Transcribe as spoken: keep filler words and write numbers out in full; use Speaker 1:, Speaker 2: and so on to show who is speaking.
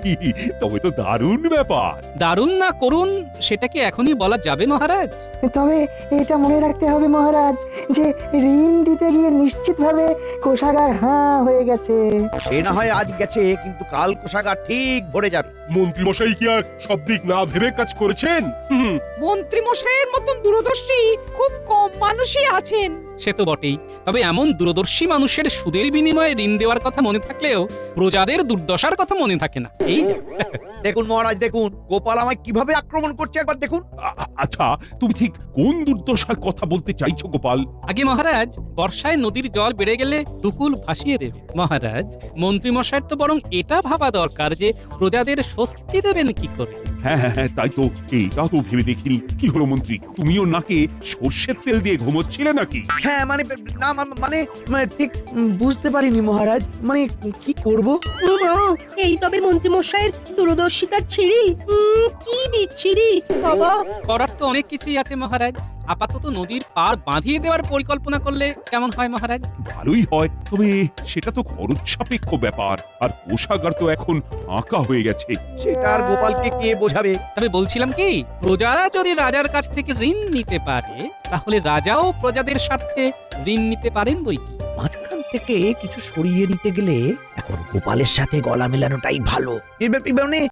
Speaker 1: তবে তো দারুণ ব্যাপার।
Speaker 2: দারুণ না করুন সেটা কি এখনই বলা যাবে মহারাজ?
Speaker 3: তবে এটা মনে রাখতে হবে মহারাজ যে ঋণ দিতে গিয়ে নিশ্চিতভাবে কোষাগার হাঁ হয়ে গেছে।
Speaker 4: সে না হয় আজ গেছে, কিন্তু কাল কোষাগার ঠিক ভরে যাবে।
Speaker 5: মন্ত্রী মশাই কি আর সব দিক না ভেবে কাজ করেছেন? হুম,
Speaker 6: মন্ত্রী মশাইয়ের মতন দূরদর্শী খুব কম মানুষই আছেন।
Speaker 2: সে তো বটেই, তবে এমন দূরদর্শী মানুষের সুদের বিনিময়ে ঋণ দেওয়ার কথা মনে থাকলেও প্রজাদের দুর্দশার কথা মনে থাকে না। এই যে
Speaker 4: দেখুন মহারাজ, দেখুন গোপাল আমায় কিভাবে আক্রমণ করছে, একবার দেখুন।
Speaker 1: আ- আ- আচ্ছা, তুমি ঠিক কোন দুর্দশার কথা বলতে চাইছো গোপাল?
Speaker 2: আগে মহারাজ, বর্ষায় নদীর জল বেড়ে গেলে দুকুল ভাসিয়ে দেবে। মহারাজ, মন্ত্রী মশাইয়ের তো বরং এটা ভাবা দরকার যে প্রজাদের স্বস্তি দেবেন কি করে।
Speaker 1: হ্যাঁ হ্যাঁ হ্যাঁ, তাই তো, এটা তো ভেবে দেখিনি। কি হলো মন্ত্রী, তুমিও নাকে সর্ষের তেল দিয়ে ঘুমোচ্ছিলে নাকি?
Speaker 4: হ্যাঁ মানে না মা- মানে মানে ঠিক উম, বুঝতে পারিনি মহারাজ, মানে কি করব।
Speaker 7: উমা, এই তবে মন্ত্রী মশাইয়ের দূরদর্শিতার ছিড়ি। উম, কি বিচ্ছিরি বাবা।
Speaker 2: করার তো অনেক কিছুই আছে মহারাজ। আপাতত নদীর পার বাঁধিয়ে দেওয়ার পরিকল্পনা করলে কেমন হয় মহারাজ?
Speaker 1: ভালোই হয়, তবে সেটা তো খরচ সাপেক্ষ ব্যাপার, আর কোষাগার তো এখন ফাঁকা হয়ে গেছে।
Speaker 4: সেটা আর গোপালকে কে বোঝাবে।
Speaker 2: তবে বলছিলাম কি, প্রজারা যদি রাজার কাছ থেকে ঋণ নিতে পারে তাহলে রাজাও প্রজাদের স্বার্থে ঋণ নিতে পারেন বই কি।
Speaker 4: মাঝখান থেকে কিছু সরিয়ে নিতে গেলে এখন গোপালের সাথে গলা মেলানোটাই ভালো। এবার এবার মানে